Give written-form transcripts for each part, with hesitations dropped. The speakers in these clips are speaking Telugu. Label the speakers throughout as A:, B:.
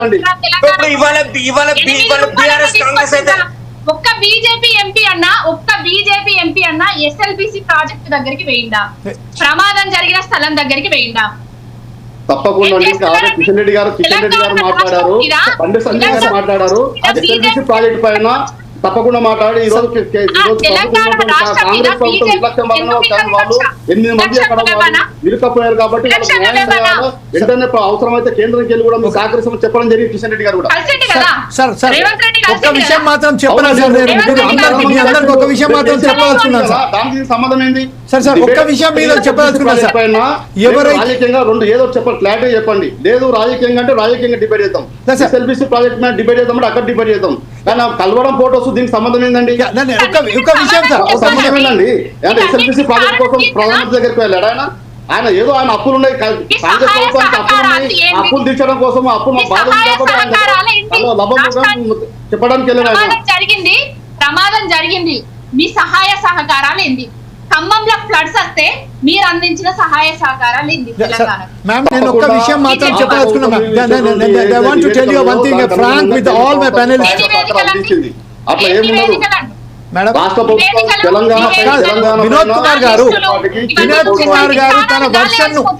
A: ఒక్క బీజేపీ ఎంపీ అన్న ఎస్ఎల్బిసి ప్రాజెక్ట్ దగ్గరికి వేయిందా? ప్రమాదం జరిగిన స్థలం దగ్గరికి వేయిందా?
B: తప్పకుండా కిషన్ రెడ్డి గారు మాట్లాడారు, బండి సంజయ్ గారు మాట్లాడారు. ఎస్ఎల్బిసి ప్రాజెక్ట్ పైన తప్పకుండా మాట్లాడి ఈ రోజు కాంగ్రెస్ ప్రభుత్వం నిర్లక్ష్యం వలన వాళ్ళు 8 మంది అక్కడ ఇరుకపోయారు కాబట్టి వెంటనే అవసరమైతే కేంద్రంకి వెళ్ళి కూడా మీకు సహకరిస్తామని చెప్పడం జరిగింది కిషన్ రెడ్డి గారు కూడా.
C: ఒక్క విషయం మాత్రం చెప్పాలి, ఒక విషయం మాత్రం చెప్పదలుచుకున్నాను సార్.
B: దానికి సంబంధం ఏంది
C: సార్? సార్ ఒక్క విషయం మీద చెప్పదలుచుకున్నాను సార్.
B: రాజకీయంగా రెండు ఏదో చెప్పండి, క్లారిటీ చెప్పండి. లేదు రాజకీయంగా అంటే రాజకీయంగా డిబేట్ చేద్దాం, ఎస్ఎల్బిసి ప్రాజెక్ట్ మీద డిబేట్ చేద్దాం అంటే అక్కడ డిబేట్ చేద్దాం. కానీ కలవడం ఫోటోస్ దీనికి సంబంధం ఏందండి? సంబంధం ఏంటండి? అంటే ఎస్ఎల్బిసి ప్రాజెక్ట్ కోసం ప్రధానమంత్రి దగ్గరికి వెళ్ళాడు ఆయన ఏదో ఆయన అప్పులు ఉన్నాయి, కాంగ్రెస్ ప్రభుత్వానికి అప్పులు ఉన్నాయి, అప్పులు తీర్చడం కోసం అప్పులు చెప్పడానికి వెళ్ళాడు.
A: జరిగింది ప్రమాదం జరిగింది, మీ సహాయ సహకారాలు ఏంది? ఖమ్మంలో ఫ్లడ్స్ వస్తే మీరు అందించిన సహాయ సహకారాలు ఏంది?
C: మ్యామ్ నేను ఒక్క విషయం మాత్రం చెప్పదలుచుకున్నాను. I want to tell you one thing, frank with all my panelists.
B: అట్లా ఏముండదు
C: మేడం.
B: రాష్ట్ర ప్రభుత్వం తెలంగాణ
C: వినోద్ కుమార్ గారు తన వర్షన్ ను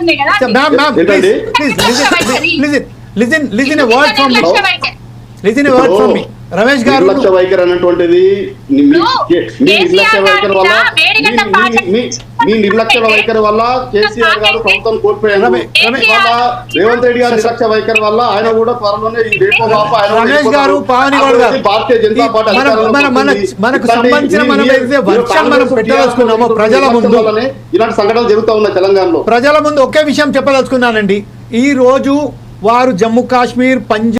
C: listen a word from me Ramesh గారు.
B: నిర్లక్ష్య వైఖరి అనేటువంటిది మీ నిర్లక్ష్య వైఖరి వల్ల మీ నిర్లక్ష్య వైఖరి వల్ల కేసీఆర్ గారు ప్రభుత్వం కోల్పోయారు. రేవంత్ రెడ్డి గారు నిర్లక్ష్య వైఖరి వల్ల ఆయన కూడా త్వరలోనే
C: రమేష్ గారు పావనిగౌడ్ గారు
B: భారతీయ జనతా పార్టీ
C: మనకు సంబంధించిన మనం పెట్టదలుచుకున్నాము ప్రజల ముందు.
B: ఇలాంటి సంఘటనలు జరుగుతూ ఉన్నాయి తెలంగాణలో.
C: ప్రజల ముందు ఒకే విషయం చెప్పదలుచుకున్నానండి. ఈ రోజు వారు జమ్మూ కాశ్మీర్, పంజాబ్